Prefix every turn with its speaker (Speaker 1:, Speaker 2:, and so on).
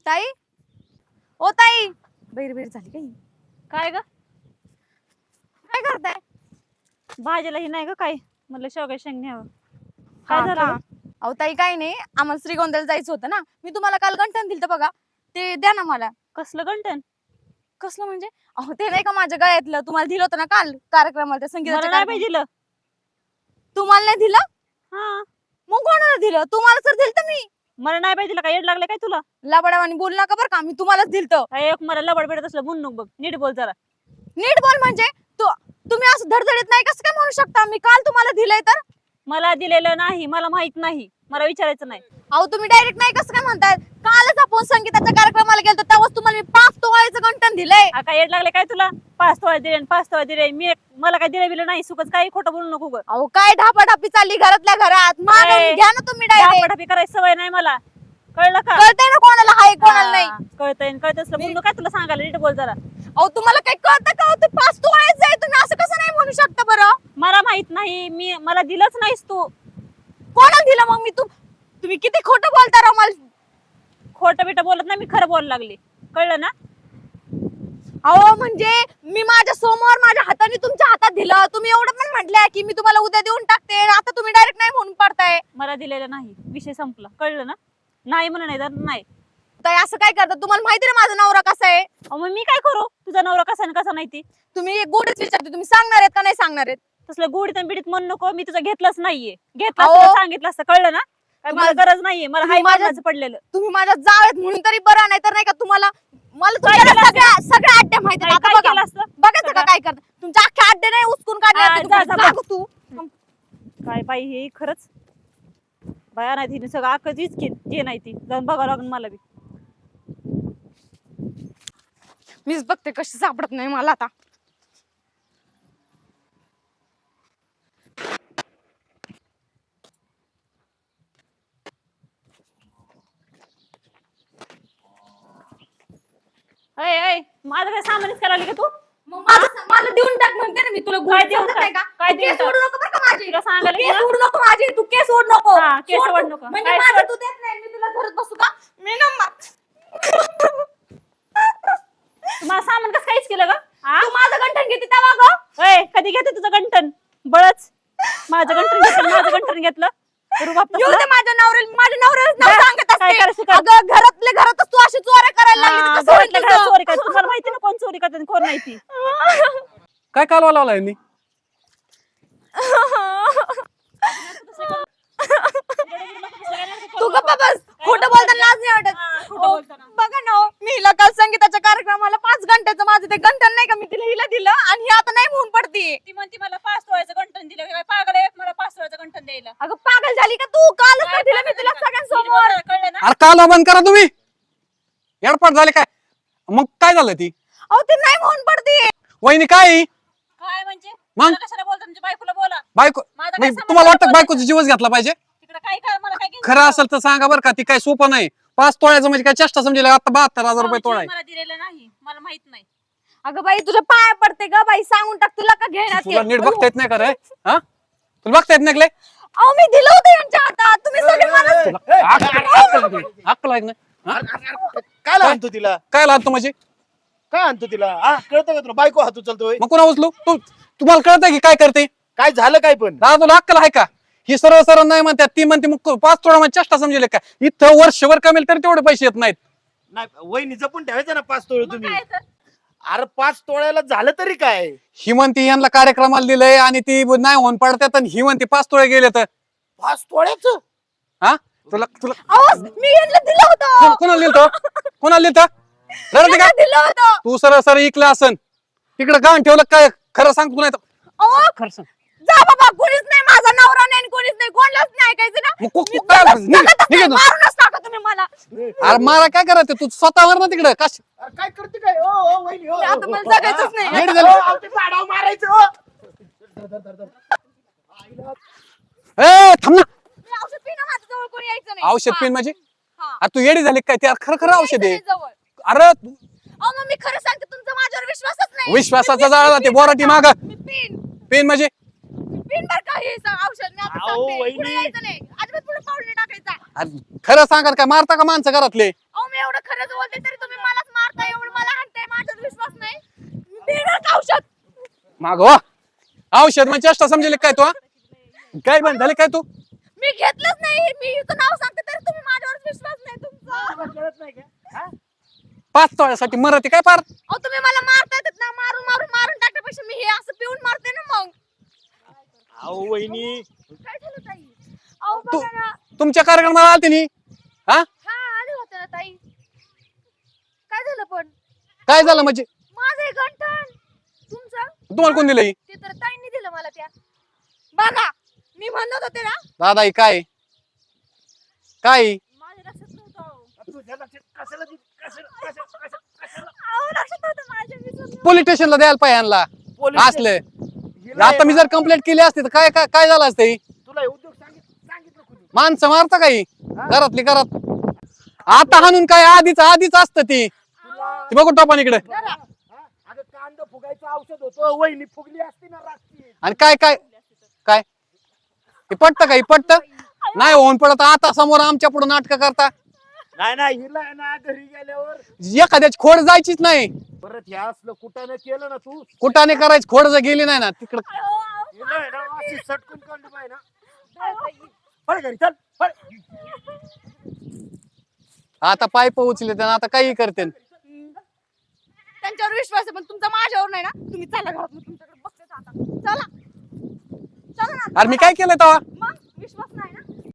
Speaker 1: ताई, ओ ताई, बैर बैर झाली काही.
Speaker 2: काय ग
Speaker 1: काय करताय?
Speaker 2: भाजीला ही नाही ग काय म्हणलं शेवगा शेंग न्यावं.
Speaker 1: हा
Speaker 2: काय झालं
Speaker 1: का? अहो ताई काही नाही, आम्हाला श्रीगोंद्याला जायचं होतं ना. मी तुम्हाला काल गंठण दिलं बघा, ते द्या ना मला.
Speaker 2: कसलं गंठन?
Speaker 1: कसलं म्हणजे? अहो ते नाही का माझ्या गळ्यातलं, तुम्हाला दिलं होतं ना काल कार्यक्रमाला, त्या
Speaker 2: मला
Speaker 1: संगीताच्या
Speaker 2: नाही
Speaker 1: कार्यक्रमाला.
Speaker 2: पाहिजे दिलं.
Speaker 1: तुम्हाला नाही दिलं?
Speaker 2: हा
Speaker 1: मग कोणाला दिलं? तुम्हाला तर दिलं तर मी.
Speaker 2: मला नाही पाहिजे दिलं. काय येड लागले काय तुला?
Speaker 1: लबडावानी बोल नका बरं का, मी तुम्हालाच दिलतं.
Speaker 2: काय एक मला लबड बेडत असलं म्हणून नको बघ. नीट बोल जरा.
Speaker 1: नीट बोल म्हणजे तुम्ही असं धडधडीत नाही कसं काय म्हणू शकता? मी काल तुम्हाला दिलंय तर.
Speaker 2: मला दिलेलं नाही, मला माहित नाही, मला विचारायचं नाही.
Speaker 1: अहो तुम्ही डायरेक्ट नाही कसं काय म्हणताय? कालच आपण संगीताच्या कार्यक्रमाला गेलतो, तेव्हाच तुम्हाला मी 5 तोळ्याचं गंठण दिलंय.
Speaker 2: काय येड लागले काय तुला? 5 तोळा दिले 5 तोळा दिले. मला काय दिलं बिलं नाही. सुकच काही खोटं बोलू नको ग.
Speaker 1: अहो काय ढापाढापी चालली घरातल्या घरात. मागून घ्या ना तुम्ही डायरेक्ट.
Speaker 2: डापाडापी करायची सवय नाही मला. कळलं का?
Speaker 1: कळतंय ना कोणाला हाय कोणाला नाही.
Speaker 2: कळतंय कळत असलं बोलू काय तुला सांगायला. नीट बोल जरा.
Speaker 1: अहो तुम्हाला काही कळतं का? ते 5 तोळ्याचं आहे, तुम्ही असं कसं नाही म्हणू शकता बरं?
Speaker 2: मला माहित नाही. मला दिलंच नाहीस तू.
Speaker 1: कोणाला दिलं मग मी? तुम्ही किती खोटं बोलता राव मला.
Speaker 2: खोटं बिटं बोलत नाही, मी खरं बोलायला लागले. कळलं ना?
Speaker 1: अहो म्हणजे मी माझ्या समोर माझ्या हाताने तुमच्या हातात दिलं, तुम्ही एवढं पण म्हटलंय की मी तुम्हाला उद्या देऊन टाकते, आता तुम्ही डायरेक्ट नाही म्हणून पडताय.
Speaker 2: मला दिलेलं नाही, विषय संपला. कळलं ना? नाही म्हणून नाही तर नाही.
Speaker 1: ताई असं काय करता? तुम्हाला माहिती ना माझा नवरा कसा आहे.
Speaker 2: मग मी काय करू? तुझा नवरा कसा आणि कसा नाही ती
Speaker 1: तुम्ही एक गोडच विचारते, तुम्ही सांगणार आहेत का नाही सांगणार आहेत?
Speaker 2: तसलं गोडीत आणि बिडीत म्हणू नको. मी तुझं घेतलंच नाहीये. घेतलं
Speaker 1: अहो.
Speaker 2: असतं तर सांगितलं असतं. कळलं ना? काय मला
Speaker 1: तुम्हाला-
Speaker 2: गरज नाहीये. मला हाय
Speaker 1: तुम्ही माझ्या-
Speaker 2: माझं पडलेलं.
Speaker 1: तुम्ही माझ्या जावेत म्हणून तरी बरं, नाही तर नाही का तुम्हाला मला तुमच्या
Speaker 2: केलं
Speaker 1: सगळ्या अड्ड्या माहिती आहेत.
Speaker 2: काय
Speaker 1: आता
Speaker 2: केलं
Speaker 1: बघा
Speaker 2: असतं?
Speaker 1: बघायचं का
Speaker 2: सगळं?
Speaker 1: काय करता? तुमच्या अख्ख्या अड्डे नाही उचकून काढले
Speaker 2: हा,
Speaker 1: असते
Speaker 2: जा,
Speaker 1: तुम्ही.
Speaker 2: जा,
Speaker 1: जा गं तू.
Speaker 2: काय बाई हे खरंच बाया नाही तिने सगळं अख्खं इचकीत जे नाही ती जाऊन बघावं लागून मला बी.
Speaker 1: मीच बघते कशी सापडत नाही मला आता.
Speaker 2: माझं काय सामानच करायला का तू?
Speaker 1: मला देऊन टाक म्हणते ना मी तुला.
Speaker 2: काय देऊन
Speaker 1: समजत
Speaker 2: टाक?
Speaker 1: नाही का?
Speaker 2: काय
Speaker 1: तू
Speaker 2: देऊन
Speaker 1: केस
Speaker 2: टाक?
Speaker 1: सोडू नको बरं का माझी.
Speaker 2: तुला सांगायला
Speaker 1: केस
Speaker 2: गेलं?
Speaker 1: सोडू नको माझी. तू केस सोड नको.
Speaker 2: हा, केस
Speaker 1: सोड
Speaker 2: सोड
Speaker 1: तू.
Speaker 2: नको.
Speaker 1: म्हणजे
Speaker 2: काय
Speaker 1: माझं
Speaker 2: सोड?
Speaker 1: तू देत नाही, मी तुला धरत बसू का? मी ना
Speaker 2: तुम्हाला सामान कसं काहीच केलं ग?
Speaker 1: तू माझं गंठण घेते तेव्हा गं.
Speaker 2: कधी घेते तुझं गंठन? बळच माझं गंठन घेतलं, माझं गंठन घेतलं. रुबाब तसला?
Speaker 1: येऊ दे माझ्या नवऱ्याला नाव
Speaker 2: जा,
Speaker 1: सांगत
Speaker 2: काय करायचं
Speaker 1: असते.
Speaker 2: कर.
Speaker 1: अगं घरातल्या घरातच तू अशी चोऱ्या करायला लागली, तर कसं होईल
Speaker 2: घरातल्या घरात
Speaker 1: तुझं?
Speaker 2: चोरी करते. तुम्हाला माहिती ना कोण चोरी करते आणि कोण नाही ती.
Speaker 3: काय कालवा लावला यांनी?
Speaker 1: तू गप्पा बस. खोटं बोलताना लाज नाही वाटत.
Speaker 2: खोटं
Speaker 1: ओ,
Speaker 2: बोलताना.
Speaker 1: बघा ना हो, मी हिला काल संगीताच्या कार्यक्रमाला 5 घंट्याचं माझं ते गंठन नाही का, मी तिला हिला दिलं आणि ही आता नाही म्हणून पडती.
Speaker 2: ती म्हणते मला 5 तोळ्याचं गंठन दिलं. काय पागल आहे मला 5 तोळ्याचं गंठन द्यायला?
Speaker 1: अगं पागल झाली का तू? कालच तर दिलं मी तिला सगळ्यांसमोर.
Speaker 2: कळलं ना?
Speaker 3: अरे कालवा बंद करा तुम्ही. एडपाट झाले काय? मग काय झालं ती?
Speaker 1: अहो ती नाही म्हणून पडती.
Speaker 3: वहिनी काय
Speaker 2: काय म्हणजे?
Speaker 3: मग?
Speaker 2: मला कशाला बोलता? तुमच्या बायकोला बोला.
Speaker 3: बायको
Speaker 2: माझा काय
Speaker 3: मग
Speaker 2: संबंध
Speaker 3: तुम्हाला वाटतं
Speaker 2: नाही
Speaker 3: बायकोचा जीवच घेतला पाहिजे?
Speaker 2: तिकडे काय काय मला काय घेणं?
Speaker 3: खरं असेल तर सांगा बरं का. ती काय सोपं नाही. 5 तोळ्याचं म्हणजे काय चेष्टा समजेल? आता 72,000 रुपये तोळा आहे.
Speaker 2: मला दिलेलं नाही, मला माहित नाही.
Speaker 1: अगं बाई तुझ्या पाया पडते ग बाई, सांगून टाक तुला का घेणार
Speaker 3: तुला नीट बघता येत नाही का रे? हा तुला बघता येत नाही का लय?
Speaker 1: अहो मी दिलं होतं यांच्या हातात, तुम्ही सगळे मला.
Speaker 3: अक्कल आहे का नाही? हा?
Speaker 4: काय आणतो तिला?
Speaker 3: काय लागतो म्हणजे?
Speaker 4: काय आणतो तिला? हा कळतं का तुला? बायको हात उचलतोय.
Speaker 3: मग कोणा उचलू? तुम्हाला कळतंय की काय करते?
Speaker 4: काय झालं काय पण?
Speaker 3: दादा तुला अक्कल आहे का? ही सर्व सर्व नाही म्हणतात, ती म्हणते मग 5 तोळा म्हणजे चेष्टा समजेल का? इथं वर्षभर कमेल तरी तेवढे पैसे येत नाहीत.
Speaker 4: नाही वहिनी जपून ठेवायचं ना 5 तोळे
Speaker 2: मग
Speaker 4: तुम्ही.
Speaker 2: काय तर?
Speaker 4: अरे 5 तोळ्याला झालं तरी काय?
Speaker 3: ही म्हणते यांना कार्यक्रमाला दिलंय आणि ती नाही होऊन पडतात आणि ही म्हणते 5 तोळे गेले तर
Speaker 4: 5 तोळ्याच?
Speaker 3: हा तुला तुला
Speaker 1: अहो मी यांना दिलं होतं.
Speaker 3: कोणाला दिलतो? कोणाला दिलत? रडते का?
Speaker 1: यांना दिलं होतं.
Speaker 3: तू सरळ सरळ इकला असन तिकडे गाण ठेवलं काय? खरं सांग तू नाही तर.
Speaker 1: अहो
Speaker 3: खरं सांग.
Speaker 1: जा बाबा, कोणीच नाही माझा नवरा नाही आणि कोणीच नाही, कोणालाच नाही ऐकायचं ना.
Speaker 3: मग
Speaker 1: मी
Speaker 3: काय
Speaker 1: जगतच
Speaker 3: निघ-
Speaker 1: नाही,
Speaker 3: निघ इथून.
Speaker 1: मारूनच टाका तुम्ही मला.
Speaker 3: अरे मला काय करायचं? तू स्वतःवर ना तिकडे कश
Speaker 4: अरे काय करते काय? ओ ओ वहिनी ओ,
Speaker 1: आता
Speaker 4: ओ,
Speaker 1: मला
Speaker 4: ओ,
Speaker 1: जगायचंच नाही.
Speaker 4: हा,
Speaker 3: नीट
Speaker 4: हा,
Speaker 3: झालं.
Speaker 4: ओ, ते झाडावर मारायचं ओ.
Speaker 3: ए थांब ना.
Speaker 1: मी औषध पिणं, माझ्या जवळ कोणी यायचं नाही.
Speaker 3: औषध पिन म्हणजे?
Speaker 1: हा.
Speaker 3: अरे तू येडी झाली काय? ते खरं खरं औषध आहे.
Speaker 1: यायचं नाही जवळ.
Speaker 3: अरे
Speaker 1: अहो मग मी खरं सांगते, तुमचा माझ्यावर विश्वासच नाही.
Speaker 3: विश्वासाचा
Speaker 1: मी-
Speaker 3: जाळा
Speaker 1: मी-
Speaker 3: ते बोराटी माग
Speaker 1: मी पिन
Speaker 3: पेन म्हणजे
Speaker 1: पिन बर का हे औषध मी आता
Speaker 4: अहो,
Speaker 1: सांगते.
Speaker 4: वहिनी.
Speaker 1: पुढे यायचं नाही, अजिबात पुढे पाऊल नाही टाकायचा.
Speaker 3: अरे खरं सांगा काय? मारता का माणसं घरातले?
Speaker 1: अहो मी एवढं खरं खरंच बोलते तरी तुम्ही मलाच मारताय, एवढं मला हाणताय, माझ्यावर विश्वास नाही. देणार का औषध?
Speaker 3: मागवा औषध म्हणजे चेष्टा समजेल काय तू हा? काय बंद झाले काय तू
Speaker 1: मी घेतलंच नाही. मी इथं नाव सांगते तरी तुम्ही माझ्यावर विश्वास नाही तुमचा.
Speaker 4: तुला कळत नाही का हा?
Speaker 3: 5 तोळ्यासाठी मरते काय पार
Speaker 1: अहो तुम्ही मला मारतायत ना, मारून टाकण्यापेक्षा मी हे असं पिऊन मारते ना मग.
Speaker 4: अहो वहिनी
Speaker 1: काय झालं ताई? अहो
Speaker 3: तू
Speaker 1: बघा ना.
Speaker 3: तुमच्या कार्यक्रमाला आलते नी हा
Speaker 1: हा आले होते ना ताई. काय झालं पण?
Speaker 3: काय झालं म्हणजे
Speaker 1: माझं हे गंठण तुमचं
Speaker 3: तुम्हाला कोण दिलं ही?
Speaker 1: ते तर ताईंनी दिलं मला त्या. बघा मी म्हणत होते ना,
Speaker 3: दादा ही काय काय
Speaker 2: माझ्या लक्षात नव्हतं अहो.
Speaker 4: तुझ्या लक्षात कशाला कशाला
Speaker 1: अहो लक्षात नव्हतं माझ्या, विसरले.
Speaker 3: पोलीस स्टेशनला द्यायला पाहिजे यांना
Speaker 4: पोलीस-
Speaker 3: असले
Speaker 4: हिला
Speaker 3: आता मी
Speaker 4: आहे
Speaker 3: जर कंप्लेंट केली असती तर काय काय काय झालं असतं ही?
Speaker 4: ना, तुला हे उद्योग सांगितलं कुणी
Speaker 3: माणसं मारता काही घरातली घरात आता हाणून काय आधीच असतं ती बघू टोपान इकडे
Speaker 4: हा? अगं कांदा फुगायचं औषध होतं वहिनी फुगली असती ना रात्री
Speaker 3: आणि काय काय काय हे पटतं का हे पटतं नाही होऊन पडत आता समोर आमच्या पुढे नाटक करता
Speaker 4: नाही हिला आहे ना घरी गेल्यावर
Speaker 3: एखाद्याची खोड जायचीच नाही
Speaker 4: परत हे असलं कुठाने केलं ना तू
Speaker 3: कुठाने करायची खोड जर गेली नाही ना तिकडं
Speaker 4: हिला आहे ना अशी सटकून काढली पाहिजे ना पळ घरी चल पळ
Speaker 3: आता पाईप उचले त्यानं आता काही करते
Speaker 1: त्यांच्यावर विश्वास आहे पण तुमचा माझ्यावर नाही ना. तुम्ही चला घरात, मी तुमच्याकडे बघतेच आता. चला चला ना.
Speaker 3: अरे मी काय केलं तेव्हा
Speaker 1: मग